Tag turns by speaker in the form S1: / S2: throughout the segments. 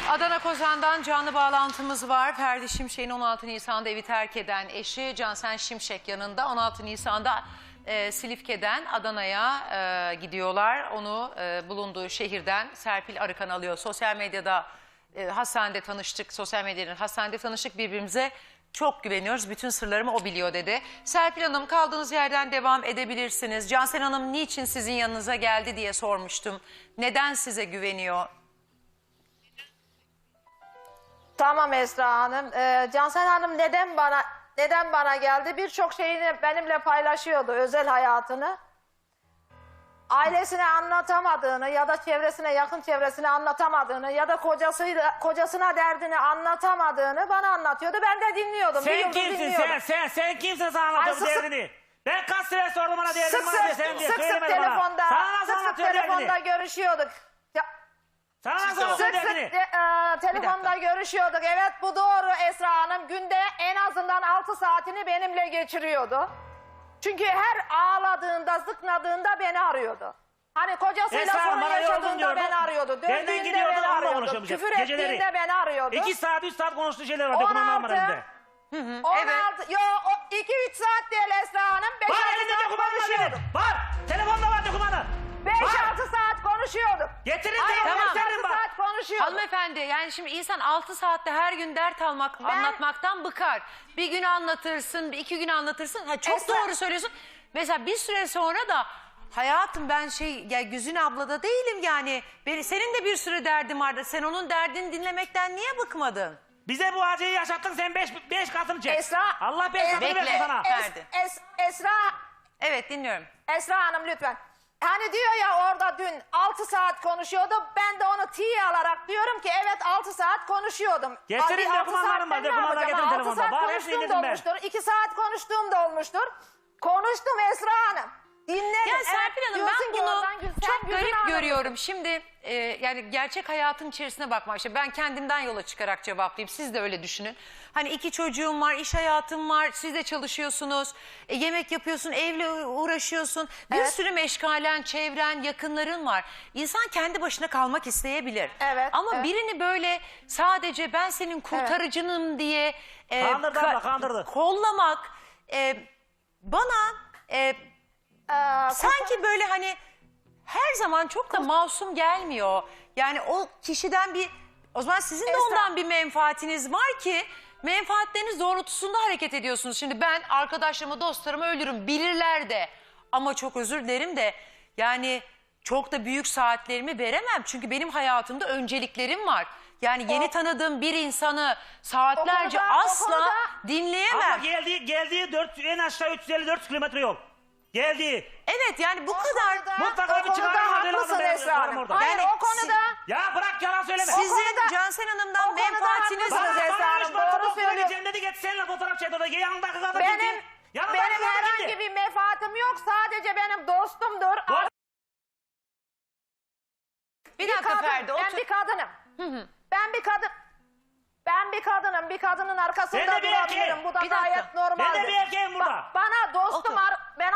S1: Adana Kozan'dan canlı bağlantımız var. Ferdi Şimşek'in 16 Nisan'da evi terk eden eşi Cansen Şimşek yanında. 16 Nisan'da Silifke'den Adana'ya gidiyorlar. Onu bulunduğu şehirden Serpil Arıkan alıyor. Sosyal medyada hastanede tanıştık. Sosyal medyanın hastanede tanıştık, birbirimize çok güveniyoruz. Bütün sırlarımı o biliyor dedi. Serpil Hanım, kaldığınız yerden devam edebilirsiniz. Cansen Hanım niçin sizin yanınıza geldi diye sormuştum. Neden size güveniyor?
S2: Tamam Esra Hanım. Cansel Hanım neden bana geldi? Birçok şeyini benimle paylaşıyordu, özel hayatını. Ailesine anlatamadığını ya da çevresine, yakın çevresine anlatamadığını ya da kocasına derdini anlatamadığını bana anlatıyordu. Ben de dinliyordum.
S3: Sen kimsin sen kimsin sana anlatıyor bu derdini? Ben kaç sefer sordum bana derdini bana diye sen diye söylemedin bana. Sık sık
S2: telefonda görüşüyorduk.
S3: Sana nasıl anlatıyor derdini?
S2: Telefonda görüşüyorduk. Evet, bu doğru Esra Hanım. Günde en azından 6 saatini benimle geçiriyordu. Çünkü her ağladığında, zıknadığında beni arıyordu. Hani kocasıyla
S3: Esra,
S2: sorun
S3: bana
S2: yaşadığında
S3: yoldun
S2: beni arıyordu.
S3: Benden
S2: Dövdüğünde
S3: gidiyordun,
S2: beni
S3: onunla
S2: arıyordu.
S3: konuşamayacağız.
S2: Küfür
S3: Geceleri.
S2: ettiğinde beni arıyordu.
S3: 2 saat 3 saat konuştuğu şeyler var. Dokunanlar var elinde.
S2: 16, yo 2-3 saat değil Esra Hanım. 5-6
S3: Var elinde
S2: saat
S3: dokümanlar
S2: konuşuyorduk.
S3: benim. Var. Telefonda var dokümanı.
S2: 5-6 saat konuşuyorduk.
S3: Getirin
S2: Hayır,
S3: telefonu
S2: 5-6
S3: gösterin bak.
S2: saat konuşuyorduk.
S1: Hanımefendi, yani şimdi insan 6 saatte her gün dert anlatmaktan bıkar. Bir gün anlatırsın, 2 gün anlatırsın. Ha, çok
S2: Esra...
S1: doğru söylüyorsun. Mesela bir süre sonra da hayatım ben ya Güzin ablada değilim yani. Senin de bir sürü derdin vardı. Sen onun derdini dinlemekten niye bıkmadın?
S3: Bize bu acıyı yaşattın, sen 5 katını çek.
S2: Esra...
S3: Allah 5 katını
S1: bekle.
S3: versin sana.
S2: Esra...
S1: Evet, dinliyorum.
S2: Esra Hanım lütfen. Hani diyor ya orada dün 6 saat konuşuyordu. Ben de onu tiye alarak diyorum ki evet 6 saat konuşuyordum.
S3: Getirin dokümanlarım var. Dokümanlar getirin telefonda.
S2: 6 saat
S3: Bak hepsini
S2: konuştuğum da
S3: indirdim ben.
S2: olmuştur. 2 saat konuştuğum da olmuştur. Konuştum Esra Hanım. Dinledim.
S1: Ya Serpil Hanım,
S2: diyorsun
S1: ben
S2: ki
S1: bunu
S2: oradan
S1: çok
S2: Güzin
S1: garip
S2: Hanım.
S1: görüyorum. Şimdi yani gerçek hayatın içerisine bakmak. İşte ben kendimden yola çıkarak cevaplayayım. Siz de öyle düşünün. Hani 2 çocuğum var, iş hayatım var, siz de çalışıyorsunuz, yemek yapıyorsun, evle uğraşıyorsun. Bir sürü meşgalen, çevren, yakınların var. İnsan kendi başına kalmak isteyebilir.
S2: Evet,
S1: Ama birini böyle sadece ben senin kurtarıcınım diye
S3: Kandırdı abla, kandırdı.
S1: kollamak bana... sanki böyle hani her zaman çok da masum gelmiyor. Yani o kişiden o zaman sizin de ondan bir menfaatiniz var ki menfaatleriniz doğrultusunda hareket ediyorsunuz. Şimdi ben arkadaşlarımı, dostlarımı ölürüm, bilirler de, ama çok özür dilerim de yani çok da büyük saatlerimi veremem. Çünkü benim hayatımda önceliklerim var. Yani yeni tanıdığım bir insanı saatlerce asla dinleyemem.
S3: Ama geldiği en aşağı 354 kilometre yol. Geldi.
S1: Evet, yani bu kadar.
S3: Mutlaka bir çıkarım
S2: haklısın Esra Hanım. Hayır, o konuda...
S3: Ya bırak yalan söyleme.
S1: Sizin Cansen Hanım'dan menfaatiniz
S2: haklısınız
S1: var.
S2: Esra Hanım, doğru söylüyor.
S3: Dedi git seninle fotoğraf çek orada. Yanındaki kadın
S2: Benim herhangi bir menfaatim yok. Sadece benim dostumdur.
S1: Bir dakika Ferdi,
S2: Ben bir kadınım. Ben bir kadınım. Bir kadının arkasında
S3: Ben de bir
S2: durabilirim.
S3: erkeğim.
S2: Bu da
S1: Bir dakika.
S2: gayet normaldir.
S3: Ben de bir erkeğim burada.
S2: Bana dostum
S1: Otur.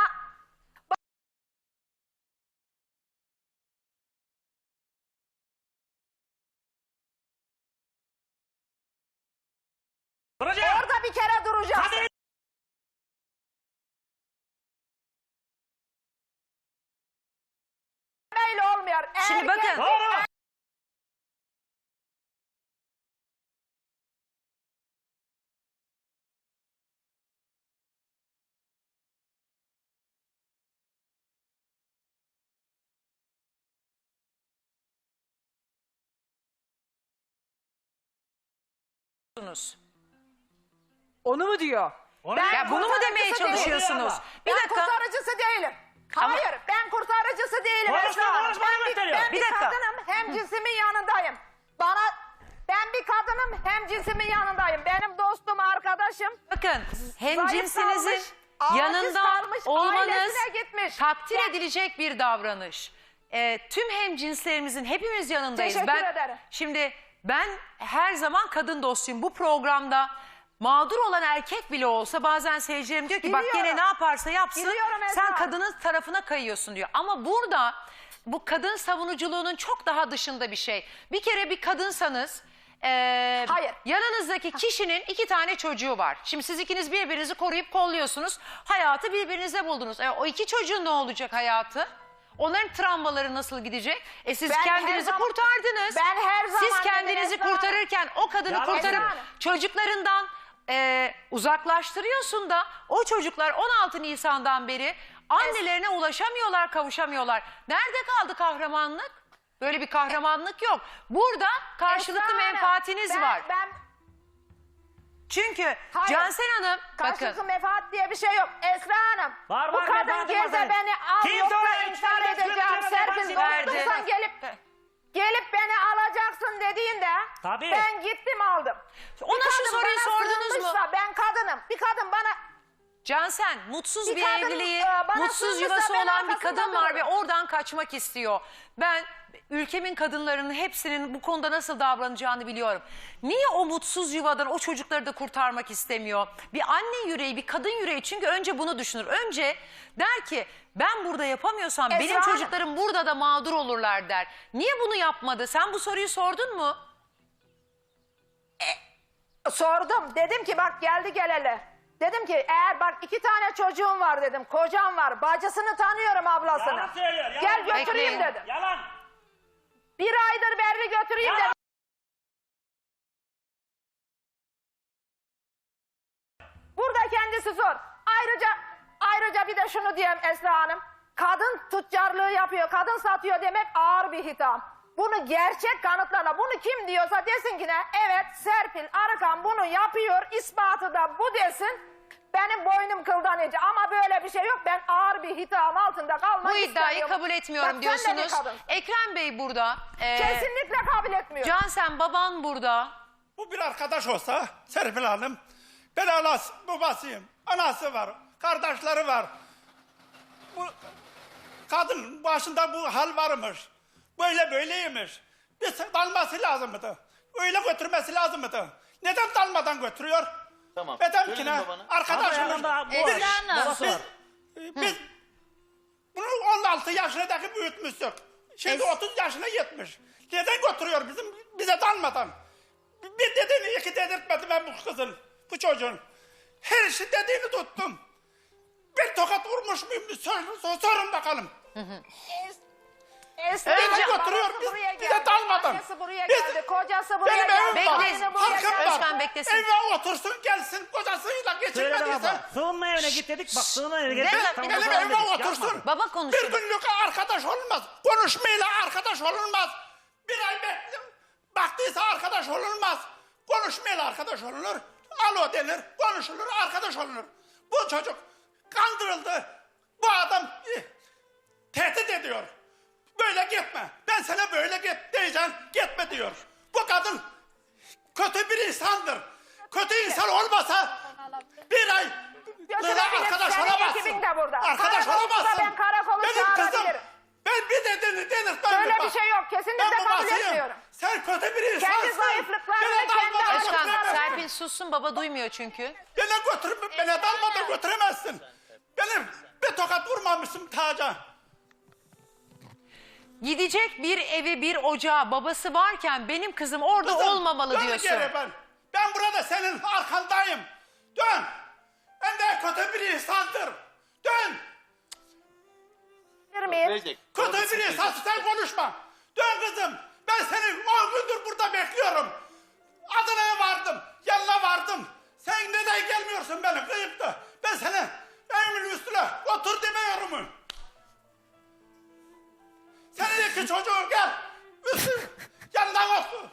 S3: Duracağım.
S2: orada bir kere duracaksın.
S3: Hadi.
S2: Böyle olmuyor.
S1: Şimdi bakın.
S3: Doğru.
S4: Onu mu diyor?
S1: Ya bunu mu demeye
S2: kurtarıcısı
S1: çalışıyorsunuz?
S3: değilim.
S1: Bir
S2: Ben
S1: dakika.
S2: kurtarıcısı değilim.
S1: Ama-
S2: Hayır, ben kurtarıcısı değilim.
S3: Konuşma,
S2: Esra Hanım.
S3: konuşma, gösteriyor.
S2: Ben
S1: Bir
S2: bir
S1: dakika.
S2: kadınım, hem cinsimin yanındayım. Ben bir kadınım, hem cinsimin yanındayım. Benim dostum, arkadaşım.
S1: Bakın, hemcinsinizin
S2: kalmış, aciz
S1: yanında
S2: kalmış,
S1: olmanız
S2: ailesine gitmiş.
S1: takdir edilecek bir davranış. Tüm hemcinslerimizin hepimiz yanındayız.
S2: Teşekkür ederim.
S1: Şimdi ben her zaman kadın dostuyum. Bu programda mağdur olan erkek bile olsa bazen seyircilerim diyor ki bak
S2: Biliyorum.
S1: gene ne yaparsa yapsın
S2: Biliyorum Esra
S1: sen
S2: Hanım.
S1: kadının tarafına kayıyorsun diyor. Ama burada bu kadın savunuculuğunun çok daha dışında bir şey. Bir kere bir kadınsanız
S2: Hayır.
S1: yanınızdaki kişinin 2 tane çocuğu var. Şimdi siz ikiniz birbirinizi koruyup kolluyorsunuz. Hayatı birbirinize buldunuz. O 2 çocuğun ne olacak hayatı? Onların travmaları nasıl gidecek? Siz
S2: Ben her
S1: kendinizi
S2: zaman-
S1: kurtardınız.
S2: Ben her zaman
S1: Siz
S2: dedim
S1: kendinizi
S2: Esra Hanım.
S1: kurtarırken o kadını
S3: Yalan
S1: kurtarıp
S3: söylüyor.
S1: çocuklarından uzaklaştırıyorsun da o çocuklar 16 Nisan'dan beri annelerine ulaşamıyorlar, kavuşamıyorlar. Nerede kaldı kahramanlık? Böyle bir kahramanlık yok. Burada karşılıklı
S2: Esra Hanım,
S1: menfaatiniz var.
S2: Ben
S1: Çünkü
S2: Hayır.
S1: Cansel Hanım
S2: karşılıklı
S1: bakın
S2: menfaat diye bir şey yok. Esra Hanım.
S3: Var,
S2: bu
S3: var,
S2: kadın
S3: menfaatim
S2: gelse
S3: var.
S2: beni al
S3: Kim
S2: yoksa
S3: sonra
S2: intihar
S3: üç tane
S2: edeceğim.
S3: kilometre
S2: Serpil
S3: menfaati verdi?
S2: konuştuysan gelip beni alacaksın dediğinde
S3: Tabii.
S2: ben gittim aldım.
S1: Ona
S2: Bir
S1: şu
S2: kadın
S1: soruyu
S2: bana
S1: sordunuz mu?
S2: sığınmışsa, ben kadınım. Bir kadın bana
S1: Cansen mutsuz
S2: Bir
S1: bir
S2: kadın,
S1: evliliği,
S2: bana
S1: mutsuz
S2: sığınırsa
S1: yuvası
S2: ben
S1: olan bir
S2: arkasında
S1: kadın var ve
S2: dururum.
S1: oradan kaçmak istiyor. Ben ülkemin kadınlarının hepsinin bu konuda nasıl davranacağını biliyorum. Niye o mutsuz yuvadan o çocukları da kurtarmak istemiyor? Bir anne yüreği, bir kadın yüreği çünkü önce bunu düşünür. Önce der ki ben burada yapamıyorsam
S2: Esra
S1: benim
S2: Hanım.
S1: çocuklarım burada da mağdur olurlar der. Niye bunu yapmadı? Sen bu soruyu sordun mu?
S2: sordum. Dedim ki bak geldi geleli. Dedim ki eğer bak 2 tane çocuğum var dedim. Kocam var. Bacısını tanıyorum ablasını.
S3: Yalan söylüyor. Yalan.
S2: Gel götüreyim
S1: Bekleyin.
S2: dedim.
S3: Yalan.
S2: 1 aydır Berri götüreyim
S3: Yalan.
S2: dedim. Burada kendisi zor. Ayrıca bir de şunu diyeyim Esra Hanım. Kadın tüccarlığı yapıyor, kadın satıyor demek ağır bir hitam. Bunu gerçek kanıtlarla, bunu kim diyorsa desin ki ne? Evet Serpil Arıkan bunu yapıyor, ispatı da bu desin. Benim boynum kıldan ince ama böyle bir şey yok. Ben ağır bir hitam altında kalmak
S1: Bu iddiayı
S2: istemiyorum.
S1: kabul etmiyorum
S2: Bak, sen de bir
S1: diyorsunuz.
S2: kadınsın.
S1: Ekrem Bey burada.
S2: Kesinlikle kabul etmiyorum.
S1: Cansen baban burada.
S5: Bu bir arkadaş olsa Serpil Hanım, ben anası, babasıyım, anası var, kardeşleri var. Bu kadın başında bu hal varmış, böyleymiş. Bir dalması lazımdı, öyle götürmesi lazımdı. Neden dalmadan götürüyor?
S6: Tamam.
S5: Neden
S6: Söyleyin
S5: ki ne?
S6: babana.
S5: Arkadaşımız.
S3: Ama bu
S1: Esra Hanım.
S3: babası var.
S5: Biz bunu 16 yaşındaki büyütmüştük. Şimdi 30 yaşına yetmiş. Neden götürüyor bize dalmadan? Bir dediğini 2 dedirtmedim ben bu kızın, bu çocuğun. Her şey dediğini tuttum. Bir tokat vurmuş muyum? Sorun bakalım.
S2: Esra
S1: Önce-
S2: Hanım,
S5: götürüyor,
S2: babası
S5: biz-
S2: buraya
S5: bize
S2: geldi,
S5: dalmadan.
S2: annesi buraya
S5: Biz-
S2: geldi, kocası buraya
S5: Benim evim
S2: geldi,
S5: var,
S2: aynı buraya
S5: halkım
S2: geldi.
S5: var.
S1: Özkan beklesin.
S5: Eve otursun gelsin, kocasıyla
S3: Söyle
S5: geçinmediyse.
S3: baba. Sığınma evine git dedik. Bak sığınma evine
S1: Bir
S3: git.
S1: dakika,
S3: Tamam,
S1: bir dakika.
S5: Benim
S3: tamam
S5: evime
S3: dedik,
S5: otursun.
S3: yapma.
S1: Baba
S5: Bir
S1: konuşuyor.
S5: günlük arkadaş olunmaz. Konuşmayla arkadaş olunmaz. Bir ay baktıysa arkadaş olunmaz. Konuşmayla arkadaş olunur. Alo denir, konuşulur, arkadaş olunur. Bu çocuk kandırıldı. Bu adam tehdit ediyor. Böyle gitme. Ben sana böyle git diyeceğim. Gitme diyor. Bu kadın kötü bir insandır. Kötü insan olmasa bir ay böyle arkadaş
S2: senin
S5: olamazsın.
S2: ekibin de burada.
S5: Arkadaş
S2: Karakol olsa
S5: olamazsın.
S2: ben karakolu
S5: Benim kızım.
S2: çağırabilirim.
S5: Ben bir dediğini denirtmem.
S2: Böyle
S5: bak.
S2: bir şey yok. Kesinlikle
S5: Ben
S2: kabul
S5: babasıyım.
S2: etmiyorum.
S5: Sen kötü bir insansın.
S2: Kendi zayıflıklarını,
S5: Beni
S2: kendi
S5: dalmadan
S1: Özkan,
S5: götüremezsin.
S1: Serpil sussun baba duymuyor çünkü.
S5: Beni dalmadan götüremezsin. Benim bir tokat vurmamışsın taca.
S1: Gidecek bir evi bir ocağı babası varken benim kızım orada
S5: Kızım,
S1: olmamalı
S5: dön
S1: diyorsun.
S5: geri ben burada senin arkandayım. Dön. Ben de kötü bir insandır. Dön.
S2: Bilir miyim?
S6: Verecek.
S5: Kötü
S6: Babası
S5: bir insansın,
S6: verecek.
S5: sen konuşma. Dön kızım. Ben seni 10 gündür burada bekliyorum. Adana'ya vardım. Yanına vardım. Sen neden gelmiyorsun beni kıyıp da? Ben seni evimin üstüne otur demiyorum mu? Senin 2 çocuğun gel. Yanından otur.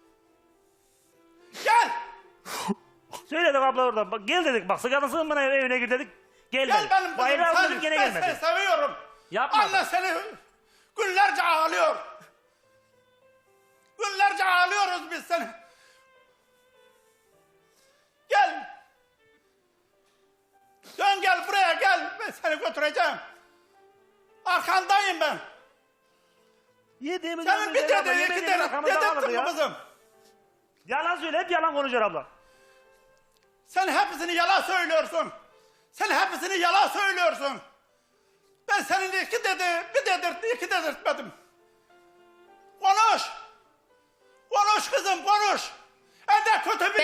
S5: Gel.
S3: Söyledik abla oradan. Bak, gel dedik. Bak sıkıntı sığınma evine gir dedik. Gelmedi.
S5: Gel benim kızım.
S3: Bayrağı aldık gene
S5: Ben seni
S3: gelmedi.
S5: seviyorum.
S3: Yapma.
S5: Anne seni günlerce ağlıyor. Günlerce ağlıyoruz biz seni. Gel. Dön gel buraya gel. Ben seni götüreceğim. Arkandayım ben.
S3: Yediğimiz
S5: Senin bir
S3: abla,
S5: dediğin 2
S3: yemediğimiz arkamızda kaldı
S5: dedirttin mi
S3: ya.
S5: kızım?
S3: Yalan söyle. Hep yalan konuşuyor abla.
S5: Sen hepsini yalan söylüyorsun. Sen hepsini yalan söylüyorsun. Ben senin bir dedirtmedim. Konuş. Konuş kızım konuş.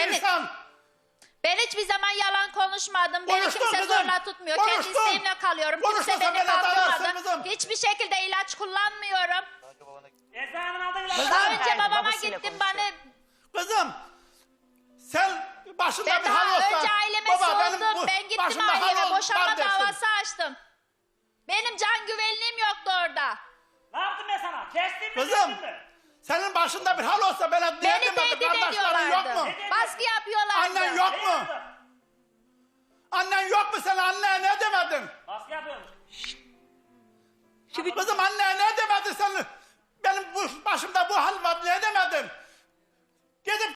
S5: insan.
S6: Ben hiçbir zaman yalan konuşmadım. Beni
S5: Konuştun
S6: kimse
S5: kızım.
S6: zorla tutmuyor. Kendi
S5: Konuştun.
S6: isteğimle kalıyorum.
S5: Konuşmasa
S6: Kimse beni
S5: beni tanırsın
S6: kaldırmadı.
S5: kızım.
S6: Hiçbir şekilde ilaç kullanmıyorum.
S3: Esra Hanım'ın aldığı ilaç.
S6: Daha önce
S1: Hayır,
S6: babama
S1: babasıyla
S6: gittim
S1: konuşuyor.
S6: bana.
S5: Kızım sen başında
S6: Ben
S5: bir hal
S6: daha
S5: olsa.
S6: önce aileme
S5: baba, benim
S6: sordum.
S5: bu
S6: Ben gittim
S5: başımda hal
S6: aileme
S5: var
S6: boşanma
S5: dersin.
S6: davası açtım. Benim can güvenliğim yoktu orada.
S3: Ne yaptım ben sana? Kestin mi?
S5: Kızım
S3: kestin mi?
S5: senin başında bir hal olsa bana
S6: Beni
S5: diyemem.
S6: tehdit
S5: Kardeşlerin yok
S6: ediyorlardı.
S5: mu?
S6: Baskı yapıyorlardı.
S5: Annen yok
S3: Ne
S5: mu?
S3: yaptın?
S5: Annen yok mu, sen anneye ne demedin?
S3: Baskı yapıyormuş.
S4: Şimdi
S5: Kızım anneye ne demedin sen? Benim bu başımda bu hal var, ne demedin? Gidip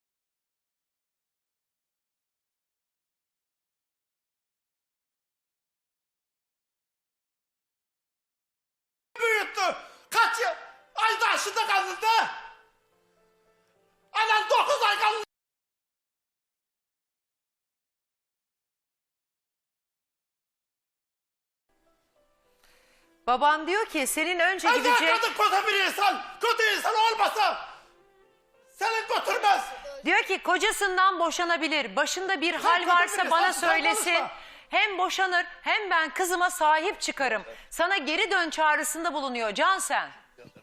S5: büyüttü. Kaç yıl? Ayda aşıda kaldı. Anan 9 ay kaldı.
S1: Baban diyor ki senin önce
S5: Ayda
S1: gidecek...
S5: kadın kötü bir insan. Kötü insan olmasa seni götürmez.
S1: Diyor ki kocasından boşanabilir. Başında bir hal
S5: kötü
S1: varsa
S5: biri,
S1: bana
S5: sen
S1: söylesin.
S5: konuşma.
S1: Hem boşanır hem ben kızıma sahip çıkarım. Sana geri dön çağrısında bulunuyor Cansen.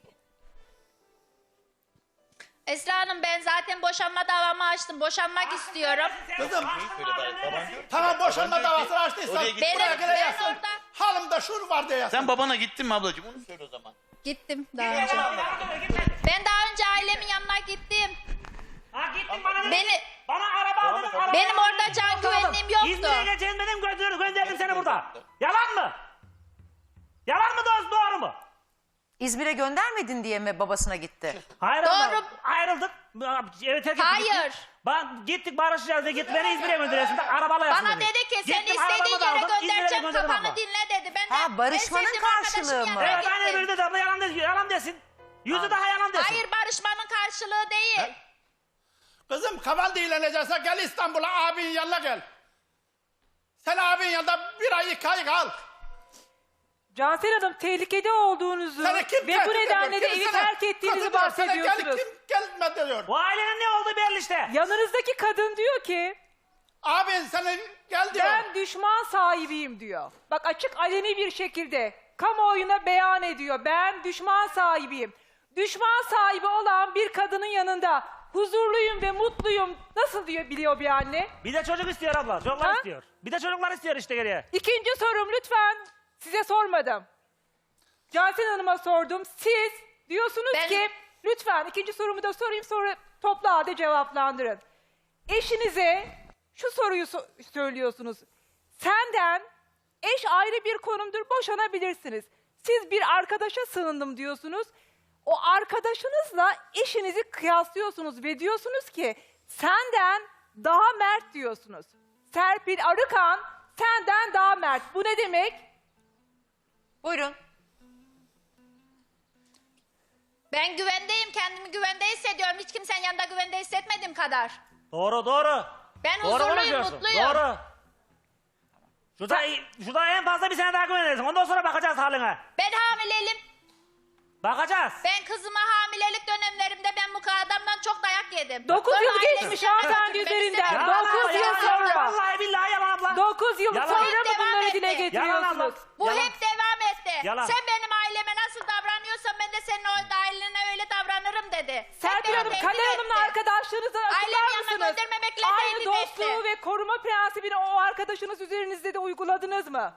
S6: Esra Hanım ben zaten boşanma davamı açtım. Boşanmak istiyorum.
S5: Kızım tamam boşanma davasını açtıysan
S7: Oraya git.
S5: buraya
S6: Ben
S5: geleceksin.
S6: orada
S5: Halımda şunu var diyorsun.
S7: Sen babana gittin mi ablacığım? Onu söyle o zaman.
S6: gittim daha önce. Ben daha önce ailemin yanına gittim.
S3: Ha gittin bana dedin.
S6: Beni
S3: Bana araba aldın. araba
S6: Benim
S3: aldın,
S6: orada can
S3: aldın.
S6: güvenliğim yoktu.
S3: İzmir'e geleceğim dedim gönderdim seni burada. Yalan mı? Yalan mı doğru mu?
S1: İzmir'e göndermedin diye mi babasına gitti?
S3: Hayır
S6: Doğru.
S3: abla, ayrıldık. Evet, terk ettik.
S6: Hayır.
S3: Gittik barışacağız diye git beni İzmir'e gönderiyorsun. Arabayla yapsın
S6: Bana dedi ki seni
S3: Gittim,
S6: istediğin
S3: arabamı da
S6: yere
S3: aldım, İzmir'e
S6: göndereceğim
S3: gönderdim
S6: kafanı
S3: abla.
S6: dinle dedi. Ben de
S1: Ha, barışmanın
S6: en sevdiğim
S1: karşılığı
S6: arkadaşımın
S1: mı?
S6: yanına
S3: Evet aynen
S6: gittim.
S3: böyle dedi abla yalan desin. Yüzü daha yalan desin.
S6: Hayır barışmanın karşılığı değil.
S5: Kızım kafan dinlenecekse gel İstanbul'a, abinin yanına gel. Sen abinin yanında 1 ay 2 ay kal.
S4: Cansel Hanım tehlikede olduğunuzu
S5: Seni kim
S4: ve
S5: tehdit
S4: bu nedenle de
S5: ediyor? Kim
S4: evi
S5: sana
S4: terk ettiğinizi
S5: kötü diyor, sana
S4: bahsediyorsunuz.
S5: Kim gelme diyor.
S3: Bu ailenin ne olduğu belli işte.
S4: Yanınızdaki kadın diyor ki
S5: Abin sana gel diyor.
S4: ben düşman sahibiyim diyor. Bak açık aleni bir şekilde kamuoyuna beyan ediyor. Ben düşman sahibiyim. Düşman sahibi olan bir kadının yanında huzurluyum ve mutluyum. Nasıl diyor biliyor bir anne?
S3: Bir de çocuk istiyor abla. Çocuklar
S4: Ha?
S3: istiyor. Bir de çocuklar istiyor işte geriye.
S4: İkinci sorum lütfen. Size sormadım. Cansel Hanım'a sordum. Siz diyorsunuz
S6: Ben-
S4: ki lütfen ikinci sorumu da sorayım sonra toplu halde cevaplandırın. Eşinize şu soruyu söylüyorsunuz. Senden eş ayrı bir konumdur boşanabilirsiniz. Siz bir arkadaşa sığındım diyorsunuz. O arkadaşınızla eşinizi kıyaslıyorsunuz ve diyorsunuz ki senden daha mert diyorsunuz. Serpil Arıkan senden daha mert. Bu ne demek?
S1: Buyurun.
S6: Ben güvendeyim, kendimi güvende hissediyorum. Hiç kimsenin yanında güvende hissetmediğim kadar.
S3: Doğru.
S6: Ben
S3: Doğru
S6: huzurluyum,
S3: konuşuyorsun.
S6: mutluyum.
S3: Doğru. Şurada en fazla bir sene daha güvenirsin. Ondan sonra bakacağız haline.
S6: Ben hamileyim.
S3: Bakacağız.
S6: Ben kızıma hamilelik dönemlerimde ben bu adamdan çok dayak yedim.
S4: 9
S6: Sonra
S4: yıl
S6: ailesi
S4: geçmiş
S6: yanına
S4: hanımefendi
S6: götürdü, beni
S4: üzerinden.
S6: sevdi.
S3: Yalan
S4: 9
S3: abla,
S4: yıl
S3: yalan
S4: sonra.
S3: abla. Vallahi billahi yalan abla.
S4: 9 yıl
S3: Yalan.
S4: sonra
S6: Hep
S4: mı
S6: devam
S4: bunları
S6: etti.
S4: dile
S3: Yalan
S4: getiriyorsunuz?
S3: abla.
S6: Bu
S3: Yalan.
S6: hep devam etti.
S3: Yalan.
S6: Sen benim aileme nasıl davranıyorsan ben de senin o ailene öyle davranırım dedi. Hep
S4: Serpil
S6: beni
S4: Hanım,
S6: tehdit
S4: Kader Hanım'la
S6: etti.
S4: arkadaşlığınızı
S6: Ailemin
S4: açıklar
S6: yanına
S4: mısınız?
S6: göndermemekle
S4: Aynı
S6: tehdit
S4: dostluğu
S6: etti.
S4: ve koruma prensibini o arkadaşınız üzerinizde de uyguladınız mı?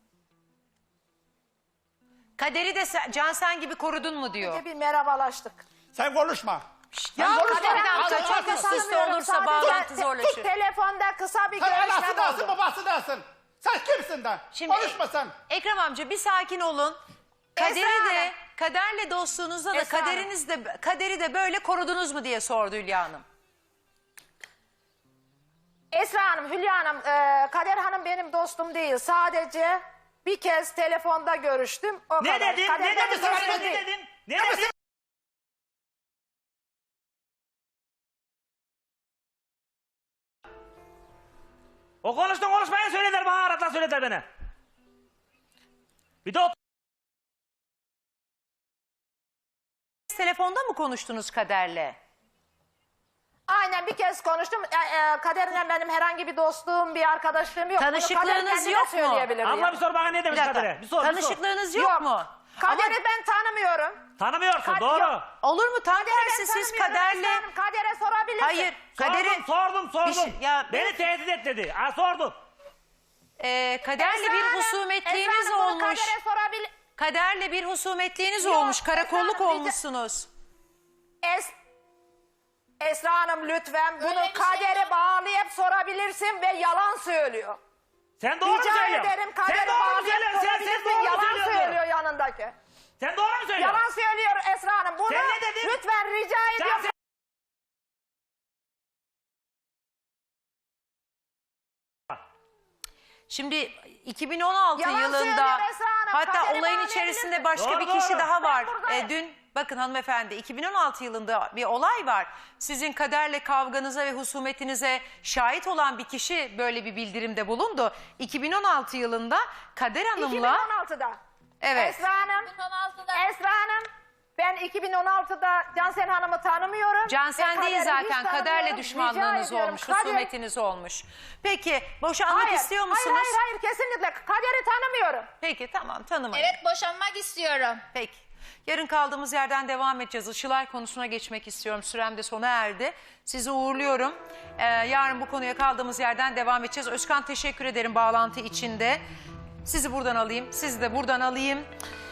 S1: Kaderi de Cansen gibi korudun mu diyor.
S2: Bir merhabalaştık.
S5: Sen konuşma.
S1: Ya
S5: Sen konuşma.
S1: Kader
S5: Al,
S1: Hanım
S5: al,
S1: çok
S5: al.
S1: üst üste
S2: Tanımıyorum,
S1: olursa
S2: sadece
S1: bağlantı zorlaşır.
S2: Telefonda kısa bir
S5: Sen
S2: görüşme
S5: anası dersin,
S2: oldu.
S5: babası dersin. Sen kimsin de?
S1: Şimdi-
S5: Konuşma sen.
S1: Ekrem amca bir sakin olun. Kaderi
S2: Esra
S1: de,
S2: Hanım.
S1: kaderle dostluğunuzda da
S2: Esra Hanım.
S1: kaderi de böyle korudunuz mu diye sordu Hülya Hanım.
S2: Esra Hanım, Hülya Hanım, Kader Hanım benim dostum değil. Sadece bir kez telefonda görüştüm. O
S3: Ne
S2: kadar.
S3: dedin?
S2: Kader
S3: Ne
S2: benim
S3: dedin?
S2: dostum
S3: Ne
S2: değil.
S3: dedin? Ne dedin? O konuşmayı söylediler bana, aratla söylediler beni. Bir de o
S1: Telefonda mı konuştunuz Kader'le?
S2: Aynen bir kez konuştum. Kader'le benim herhangi bir dostluğum, bir arkadaşlığım yok. Bunu Kader
S1: Tanışıklığınız
S2: kendine
S1: yok mu?
S2: söyleyebilir
S3: Abla
S2: yani.
S3: bir sor bana ne
S1: Bir
S3: demiş
S1: dakika.
S3: Kadir'e? Bir sor.
S1: Tanışıklığınız yok mu?
S2: Kader'i ben tanımıyorum.
S3: Tanımıyorsun
S2: Kad-
S3: doğru.
S2: yok.
S1: Olur mu? Tam
S2: Kader'i ben
S1: tersi siz
S2: tanımıyorum
S1: Kader'le...
S2: Esra Hanım. Kader'e sorabilirsin.
S1: Hayır. Kader'in...
S3: Sordum.
S1: Bir şey- ya-
S3: Beni tehdit et dedi. Sordum.
S1: Kader'le
S2: Esra
S1: bir
S2: Hanım,
S1: husumetliğiniz
S2: Esra Hanım, bunu
S1: olmuş.
S2: Kader'e sorabilir.
S1: Kader'le bir husumetliğiniz
S2: Yok,
S1: olmuş.
S2: Esra
S1: Karakolluk
S2: Hanım,
S1: olmuşsunuz.
S2: Esra Hanım lütfen bunu
S6: Öyle bir şey
S2: Kader'e
S6: yok.
S2: bağlayıp sorabilirsin ve yalan söylüyor.
S3: Sen doğru mu
S2: Rica
S3: söylüyorsun?
S2: ederim
S3: Sen
S2: Kader'e
S3: doğru mu
S2: bağlayıp
S3: söylüyorsun? Sen
S2: sorabilirsin.
S3: doğru mu
S2: Yalan
S3: söylüyorsun?
S2: söylüyor yanındaki.
S3: Sen doğru mu söylüyorsun?
S2: Yalan söylüyor Esra Hanım. Bunu
S3: Sen ne dedin?
S2: lütfen rica ediyorum.
S3: sen-
S1: Şimdi 2016
S2: Yalan
S1: yılında
S2: söylüyor Esra Hanım.
S1: hatta
S2: Kader'e
S1: olayın
S2: bağlayabilirsin.
S1: içerisinde başka
S3: Doğru,
S1: bir kişi
S3: doğru.
S1: daha var.
S2: Ben buradayım.
S1: Dün bakın hanımefendi 2016 yılında bir olay var. Sizin Kader'le kavganıza ve husumetinize şahit olan bir kişi böyle bir bildirimde bulundu. 2016 yılında Kader Hanım'la
S2: 2016'da.
S1: evet.
S2: Esra Hanım.
S6: 2016'da.
S2: Esra Hanım. Ben 2016'da Cansel Hanım'ı tanımıyorum.
S1: Cansel
S2: Ve
S1: değil
S2: Kader'i hiç
S1: zaten Kader'le
S2: tanımıyorum.
S1: düşmanlığınız
S2: Rica ediyorum,
S1: olmuş,
S2: Kader-
S1: husumetiniz olmuş. Peki boşanmak istiyor musunuz?
S2: Hayır kesinlikle. Kader'i tanımıyorum.
S1: Peki tamam tanımayın.
S6: Evet boşanmak istiyorum.
S1: Peki. Yarın kaldığımız yerden devam edeceğiz. Işılay konusuna geçmek istiyorum. Sürem de sona erdi. Sizi uğurluyorum. Yarın bu konuya kaldığımız yerden devam edeceğiz. Özkan teşekkür ederim bağlantı içinde. Sizi buradan alayım. Sizi de buradan alayım.